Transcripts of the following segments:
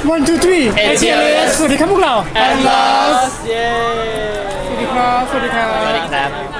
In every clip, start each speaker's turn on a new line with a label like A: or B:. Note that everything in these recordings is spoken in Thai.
A: one two three
B: ATLS
A: สวัสดีครับพวกเรา
B: Atlas เย้
A: สวัสดีครับสวัสดีครับ
B: สวัสดีครับ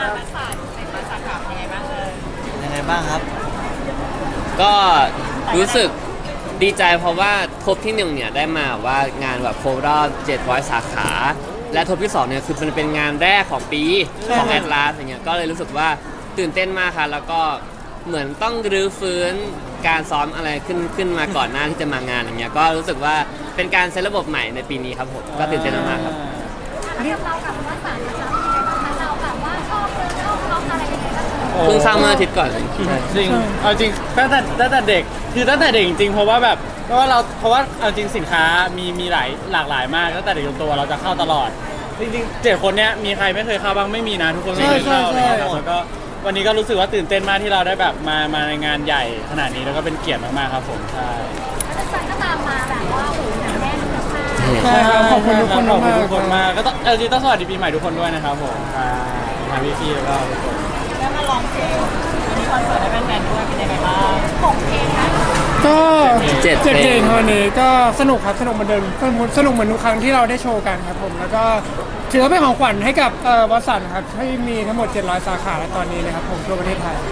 C: ยังไงบ้างครับ
B: ก็รู้สึกดีใจเพราะว่าทบที่1เนี่ยได้มาว่างานแบบโครบ700 สาขา และทบที่2เนี่ยคือมันเป็นงานแรกของปีของ Atlas อย่างเงี้ยก็เลยรู้สึกว่าตื่นเต้นมากค่ะแล้วก็เหมือนต้องรื้อฟื้นการซ้อมอะไรขึ้นมาก่อนหน้าที่จะมางานอย่างเงี้ยก็รู้สึกว่าเป็นการเซตระบบใหม่ในปีนี้ครับผมก็ตื่นเต้นมากๆครับ
D: เรากับว่าสารนะคะเราแบบว่าชอบร้องอะไรยังไงบ้าง
B: เพิ่งสร้างเมื่ออาทิตย์ก่อนเลย
E: จริงเอาจริงตั้งแต่เด็กคือตั้งแต่เด็กจริงๆเพราะว่าแบบเพราะว่าเอาจริงสินค้ามีหลากหลายมากตั้งแต่เด็กจนโตเราจะเข้าตลอดจริงๆ7 คนเนี้ยมีใครไม่เคยเข้าบ้างไม่มีนะทุกคนไม่เคยเข้าเลยครับแล้วก็วันนี้ก็รู้สึกว่าตื่นเต้นมากที่เราได้แบบมาในงานใหญ่ขนาดนี้แล้วก็เป็นเกียรติมากๆครับผมใช่
D: แล้วสันก็ตามมาแบบว่าโอ้โหหนักแน่นมาก
A: ใช่ครับขอบคุณทุกคน
E: ขอบคุณ
A: มาก
E: ทุกคนมากก็ต้องจริงๆต้องสวัสดีปีใหม่ทุกคนด้วยนะครับผมทางพี่ๆแล้วก็ทุกคน
D: แล้วมาลองเพลงวันนี้คอนเสิร์ตได้แฟนๆด้วยเป็นยังไงบ้าง6 เพลงนะ
A: ก็
B: เจ็ด
A: เพลงวันนี้ก็สนุกครับสนุกเหมือนเดิมสนุกเหมือนทุกครั้งที่เราได้โชว์กันครับผมแล้วก็ถือว่าเป็นของขวัญให้กับวสันต์ครับที่มีทั้งหมด700 สาขาและตอนนี้นะครับผมทั่วประเทศไทย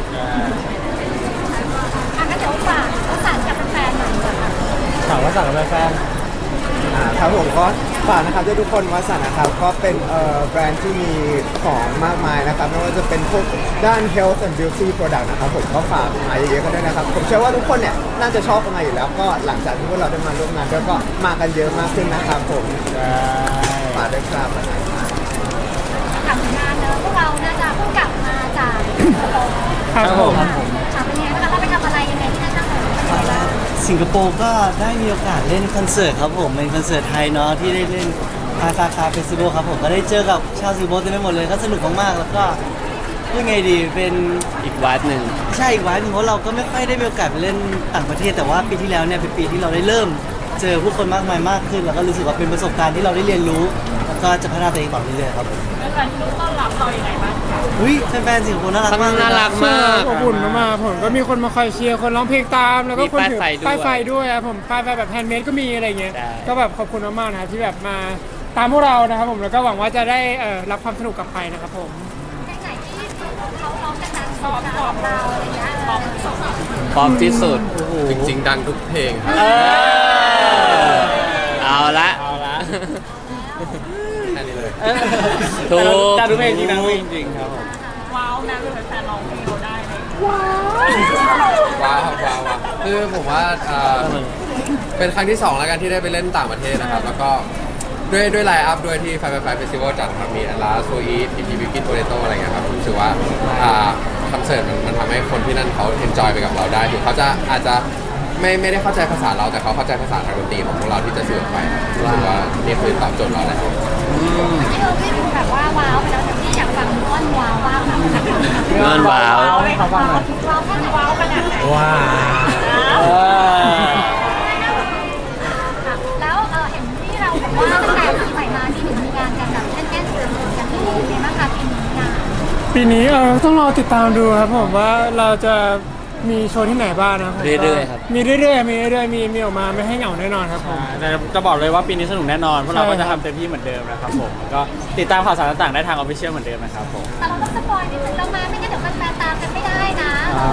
D: อ่ะก็เดี๋ยวฝากวสันต์กับแฟนๆหน่อยค่ะ
E: ถามว่าสั่งกับแฟน
F: ครับผมก็ฝากนะครับทุกคนวัสันนะครับก็เป็นแบรนด์ที่มีของมากมายนะครับไม่ว่าจะเป็นพวกด้าน health and beauty product นะครับผมก็ฝากมาเยอะๆกันด้วยนะครับผมเชื่อว่าทุกคนเนี่ยน่าจะชอบกันมาอยู่แล้วก็หลังจากที่พวกเราได้มาร่วมงานด้วยก็มากันเยอะมากขึ้นนะครับผมฝากด้วยครับ
D: ถามถึงงานเนอะพวกเราน่าจะเพิ่งกลับมาจาก
A: ครับผม
D: ถามเป็นยังไงนะคะเราไปทำอะไรยังไงที่นั่นบ้างเป็นยังไงบ้าง
C: สิงคโปร์ก็ได้มีโอกาสเล่นคอนเสิร์ตครับผมเป็นคอนเสิร์ตไทยเนาะที่ได้เล่นอาซาคาเฟสติวัลครับผมก็ได้เจอกับชาวสิงคโปร์เต็มไปหมดเลยก็สนุกมากๆแล้วก็ยังไงดีเป็น
B: อีกวัดหนึ่ง
C: ใช่อีกวันหนึ่งเพราะเราก็ไม่ค่อยได้มีโอกาสไปเล่นต่างประเทศแต่ว่าปีที่แล้วเนี่ยเป็นปีที่เราได้เริ่มเจอผู้คนมากมายมากขึ้น แล้วก็รู้สึกว่าเป็นประสบการณ์ที่เราได้เรียนรู้แล้วก็จะพัฒนาตัวเองต่อเรื่อยๆครับผมอุ้ยแฟนๆสิงคโปร์น่ารักมากเลย
B: น่ารัก
A: มาม
B: าก
A: อบอุ่นมากๆผมก็มีคนมาคอยเชียร์คนร้องเพลงตามแล้วก็คนถือ
B: มีป้า
A: ป้าย ย
B: ไฟ
A: ไฟ
B: ด้
A: ด้
B: ว
A: วย ยครับผมป้ายไฟแบบแฮนด์เมดก็มีอะไรเงี้ย
B: ใช่
A: ก็แบบขอบคุณมากๆนะครับที่แบบมาตามพวกเรานะครับผมแล้วก็หวังว่าจะได้รับความสนุกกลับไปนะครับผม
D: เพลงไหนที่เขาร้องกันดังสุดของเราอะไรเงี้ย
B: พร้อมที่สุด
G: จริงๆ ดังทุกเพลงครับ
B: เอาละ
E: เอาละ
G: แค่นี้เลย
B: ถูก
E: แต่ดูเพลงจริงนะเพลงจริงครับผม
D: ว้าวนะเป็นแฟนร้องเพลงเราได้เลย
G: ว้าวครับว้าวว้าวคือผมว่าเป็นครั้งที่ 2 แล้วกันที่ได้ไปเล่นต่างประเทศนะครับ แล้วก็ด้วยไลน์อัพด้วยที่ไฟเฟสติวัลจัดครับมีอัลลาโซอีพีพีวิกกี้โตเรโตอะไรเงี้ยครับผมรู้สึกว่าคอนเสิร์ตมันทำให้คนที่นั่นเขาเอนจอยไปกับเราได้ถึงเขาจะอาจจะไม่ได้เข้าใจภาษาเราแต่เขาเข้าใจภาษาทางดนตรีของพวกเราที่จะสื่อออกไปรู้สึกว่านี่คือตอบโจทย์เราแล้ว
D: ที่เราไม่ดูแบบว่าว้าวไปแล้วแต่ที่อยากฟังม้วนว้าวบ้างนะ
B: นอนว้าว
E: เขาฟังหน่อย
D: ว้าวแค่ไหนว้าวขนาดไหน
F: ว้า
D: แล้วเห็นที่เราบอกว่าตั้งแต่ปีใหม่มาที่หนึ่งมีงานกันแบบแน่นๆกันที่มีมากค่ะปีนี้งาน
A: ปีนี้ต้องรอติดตามดูครับผมว่าเราจะมีโชว์ที่ไหนบ้างนะครับผม
B: เรื่อยๆครับ
A: มีเรื่อยๆมีออกมาไม่ให้เหงาแน่นอนครับผม
E: แต่จะบอกเลยว่าปีนี้สนุกแน่นอนเพราะเราก็
A: ใช่
E: จะ
A: ครับ
E: ทำเต็มที่เหมือนเดิมนะครับผมแล้วก็ติดตามข่าวสารต่างๆได้ทางออฟฟิเชียลเหมือนเดิมนะครับผม
D: แต่เราต้องสปอยนิดนึงแล้วมาไม่งั้นเดี๋ยวแฟนๆตามกันไม่ได้นะ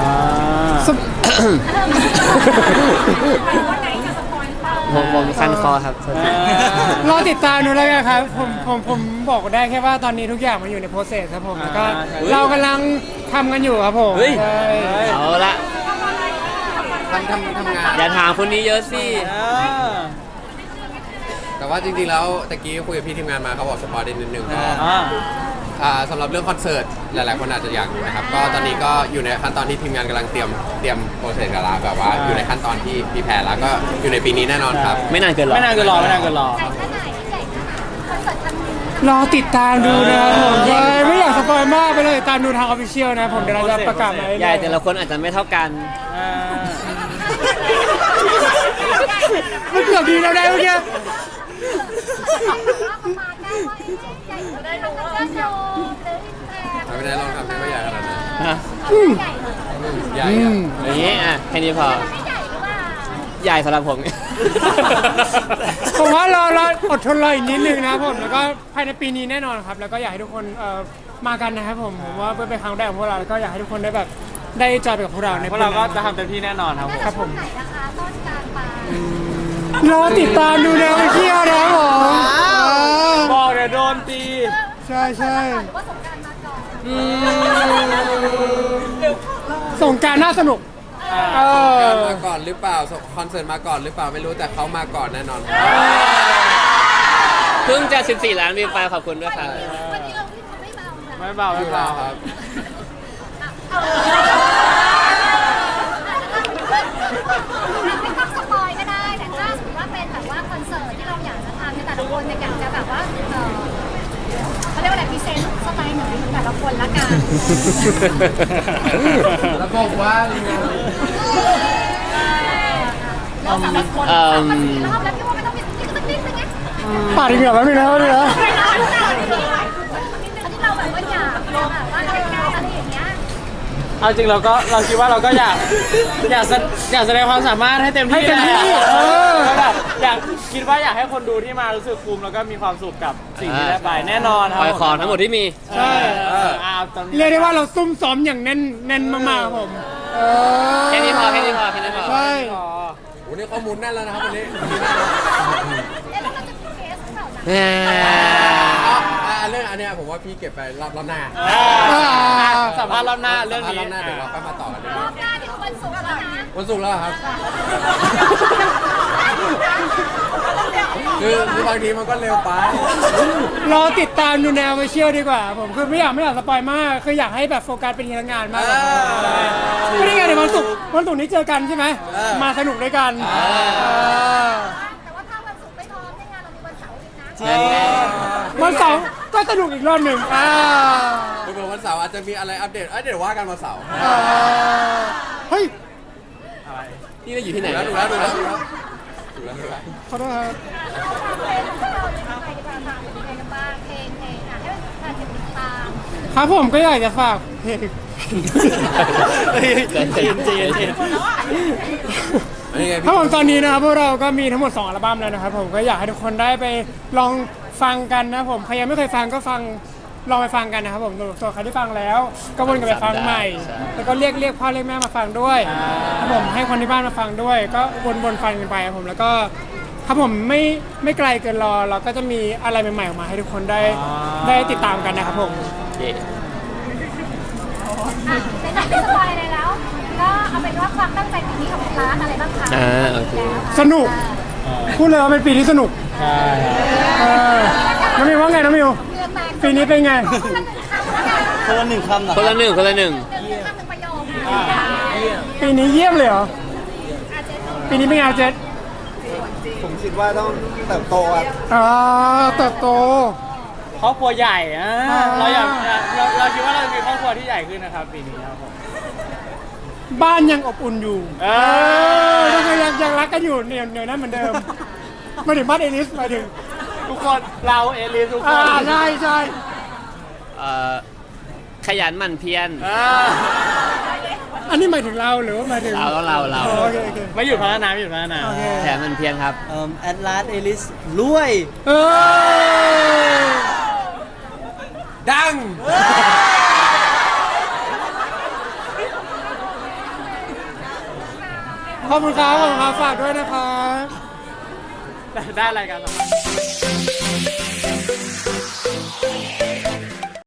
D: ว่าไงจะสปอยหรือเปล่า
B: ผมคันคอครับ
A: รอติดตามดูแล้วกันครับผมบอกได้แค่ว่าตอนนี้ทุกอย่างมันอยู่ในโปรเซสครับผมแล้วก็เรากำลังทำกันอยู่ครับผม
B: เฮ้ย
A: ใช่
B: เอาละ
G: ทำงาน
B: อย่าถามคนนี้เยอะสิ
G: แต่ว่าจริงๆ แล้วตะกี้คุยกับพี่ทีมงานมาเขาบอกสปอร์ตนิดนึงก็ สำหรับเรื่องคอนเสิร์ตหลายๆคนอาจจะอยากรู้นะครับ ก็ตอนนี้ก็อยู่ในขั้นตอนที่ทีมงานกำลังเตรียมโปรเซสกันแล้วแบบว่าอยู่ในขั้นตอนที่พี่แพรแล้วก็อยู่ในปีนี้แน่นอนครับ
B: ไม่นานเกินหรอ
E: ไม่นานเกินรอไม่นานเกินรอ
D: ใหญ่แค่ไหนใหญ่แค่ไหนคอนเสิร์ตครั้งนี้
A: รอติดตามดูนะครับผมใช่ไม่อยากสปอยมากไปเลยตามดูทางออฟฟิเชียลนะผมเดี๋ยวเราจะประกาศมา
B: ใหญ่แต่ละคนอาจจะไม่เท่ากัน
A: มันเกือบดีแล้วได้เมื่อกี้
D: ได้รู้ว่าใหญ่ได้
G: ไม่ได้ลองทำให้ว่าใหญ่ขนาดนั้น
B: ฮะ
D: ใหญ่
G: ใหญ่อะ
B: อย่างนี้อ่ะแค่นี้พอ
D: ไม่ใหญ่หรือเปล่า
B: ใหญ่สำหรับผม
A: ผมว่าเราอดทนรออีกนิดนึงนะครับผมแล้วก็ภายในปีนี้แน่นอนครับแล้วก็อยากให้ทุกคนมากันนะครับผมว่าเป็นครั้งแรกของพวกเราแล้วก็อยากให้ทุกคนได้แบบได้จอยไปกับพวกเราใน
E: พวกเราก็จะทำเต็มที่แน่นอนครับผม
A: ครับผม
D: ไหนนะคะต้นกลางปลาย
A: รอติดตามดูแนวไปเที่ยวนะครับผม
E: บอกเดี๋ยวโดนตี
A: ใช่ใช่
D: หรือว่าสงกรารมาก่อน
A: สงกรารน่าสนุกเออ
G: การมาก่อนหรือเปล่าคอนเสิร์ตมาก่อนหรือเปล่าไม่รู้แต่เขามาก่อนแน่นอน
B: เพิ่งจะ 14 ล้านวิวไปขอบคุณด้วยครับ
D: วันนี้เราวิ่งไม่เบานะ
E: ไม่เบา
G: อ
E: ไม่
G: ยู่แล้
E: เบาว
G: ครับ
D: ไม่ต้องสปอยก็ได้แต่ถ้าสมมติว่าเป็นแบบว่าคอนเสิร์ตที่เราอยากจะทำในแต่ละคนเนี่ยอยากจะแบบว่าเขาเรียกว่าอะไรพรีเซนต์สไตล์ไหนของแต่ละคนละกัน
G: แล้วบอกว่ายังไง
D: เราสามารถคนสามสี่รอบแล้วพี่ว่าไม่ต้องมีนี่ก็ต้องนิดนึงไง
A: ปาดอีกเหรอแป๊บนึงนะแป๊บนึงนะ
D: ไม่ได้ไม่ได้ไม่ได้ที่เราแบบว่าอยากแบบว่าอะไรอย่างเงี้ย
E: เอาจริงเราคิดว่าเราก็อยากแสดงความสามารถให้เต็มที่
A: ให้เต็มที่
E: แหละ
A: เออ
E: แล้วแบบคิดว่าอยากให้คนดูที่มารู้สึกคุ้มแล้วก็มีความสุขกับสิ่งที่ได้ไปแน่นอนค
B: ป
E: รับ
B: ล่อยของทั้งหมดที่มี
E: ใช่ตอนนี้
A: เรียกได้ว่าเราซุ่มซ้อมอย่างแน่นมากๆครับผมเออ
B: แค่นี้พอแค่นี้พอแค่นี้พอ
A: ใช่
G: วันนี้ข้อมูลแน่นแล้วนะครับวันนี้
D: แล้วเราจะมีเคสเปล่านะ
B: แหม
G: เรื่องอันเนี้ยผมว่าพี่เก็บไปรอบหน้า
E: สัมภาษณ์รอบหน้าเรื่องนี้
G: รอบหน้าเดี๋ยวเราค่อยมาต่อกัน
D: รอบหน้าที่วันศุกร์แล้วนะ
G: วันศุกร์แล้วครับ คือบางทีมันก็เร็วไป
A: รอติดตามดูแนวไปเชี่ยวดีกว่าผมคือไม่อยากสปอยมากคืออยากให้แบบโฟกัสเป็นทีละงานมากกว่าไม่ได้ไงเดี๋ยววันศุกร์นี้เจอกันใช่ไหมมาสนุกด้วยกัน
D: แต่ว่าถ้าวันศุกร์ไม่พร้อมในงานเรามีวันเสาร์อีกนะ
A: วันเสาร์ก็สนุกอีกรอบหนึ่ง
G: เผื่อวันเสาร์อาจจะมีอะไรอัปเดตเดี๋ยวว่ากันวันเสาร์
A: เฮ้ย
B: นี่เราอยู่ที่ไหน
G: ดูแล้ว
A: ขอโทษครับ
D: เพลงของเราเนี่ยไปดีกว่าค่ะเป็นยังไงกันบ้างเพลงอ่ะให้แฟนติดตาม
A: ครับผมก็อยากจะฝากเพลง ครับผมตอนนี้นะครับพวกเราก็มีทั้งหมด2อัลบั้มแล้วนะครับผมก็อยากให้ทุกคนได้ไปลองฟังกันนะผมใครยังไม่เคยฟังก็ฟังลองไปฟังกันนะครับผมส่วนใครที่ฟังแล้วก็วนกันไปฟังใหม่ แล้วก็เรียกพ่อเรียกแม่มาฟังด้วยครับผมให้คนที่บ้านมาฟังด้วย ก็วนฟังกันไปครับผมแล้วก็ครับผมไม่ไกลเกินรอเราก็จะมีอะไรใหม่ๆออกมาให้ทุกคนได้ติดตามกันนะครับผม
B: เย้
D: อ่ะไหนๆไม่สบายเลยแล้ว ก็เอาเป็นว่าความตั้งใจปีนี้ของร้านอะไรบ้างคะ
B: โอเค
A: สนุกพูดเลยว่าเป็นปีที่สนุก
E: ใช่
A: น้องมิวว่าไงน้องมิว
D: เรือแตก
A: ปีนี้เป็นไง
D: คนละหนึ่งคำแล้วกัน
C: คนละหนึ่งคำเหรอ
B: คนละหนึ่ง
D: หนึ่งคำหนึ่งประโยคค่ะ
A: ปีนี้เยี่ยมเลยเหรอ ปีนี้เป็นไงเจษ
F: ผมคิดว่าต้องเติบโตครับ
A: เติบโต
E: ครอบครัวใหญ่เราคิดว่าเราจะมีครอบครัวที่ใหญ่ขึ้นนะครับปีนี้ครับผม
A: บ้านยังอบอุ่นอยู่ก็คือยังรักกันอยู่เหนียวนั้นเหมือนเดิมหมายถึงบ้านเอลิสหมายถึง
E: ทุกคนเราเอลิสทุกคน
A: ใช่
B: ขยันหมั่นเพียร
A: อันนี้หมายถึงเราหรือว่าหมายถึง
B: เรา
A: โอเค
E: ไม่หยุดพัฒนาไม่หยุดพัฒนา
A: โอเค
B: ขยันหมั่นเพียรครับ
C: แอดลาสเอลิสรวย
G: ดัง
A: ขอบคุณครับฝากด้วยนะครับ
E: ได้รายการต่อไป